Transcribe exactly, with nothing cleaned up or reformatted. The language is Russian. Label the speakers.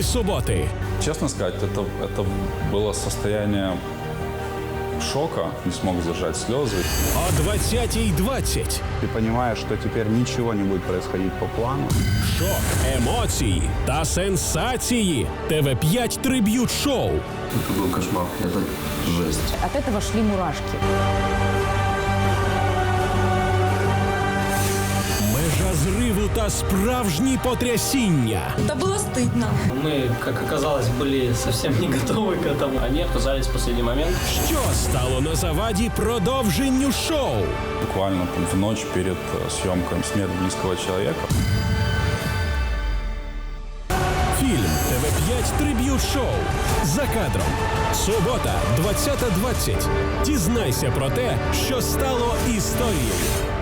Speaker 1: цієї суботи.
Speaker 2: Честно сказать, это, это было состояние шока, не смог сдержать слезы.
Speaker 1: О двадцятій двадцять.
Speaker 3: Ты понимаешь, что теперь ничего не будет происходить по плану.
Speaker 1: Шок, емоції та сенсації. Т В п'ять триб'ют шоу.
Speaker 4: Это был кошмар, это жесть.
Speaker 5: От этого шли мурашки.
Speaker 1: Межа зриву та справжні потрясіння.
Speaker 6: Да было стыдно.
Speaker 7: Мы, как оказалось, были совсем не готовы к этому. Они отказались в последний момент.
Speaker 1: Що стало на заваді продовженню шоу?
Speaker 2: Буквально там, в ночь перед э, съемкой «Смерть близкого человека».
Speaker 1: Фільм Т В п'ять триб'ют шоу. За кадром. Субота, двадцята двадцять. Дізнайся про те, що стало історією.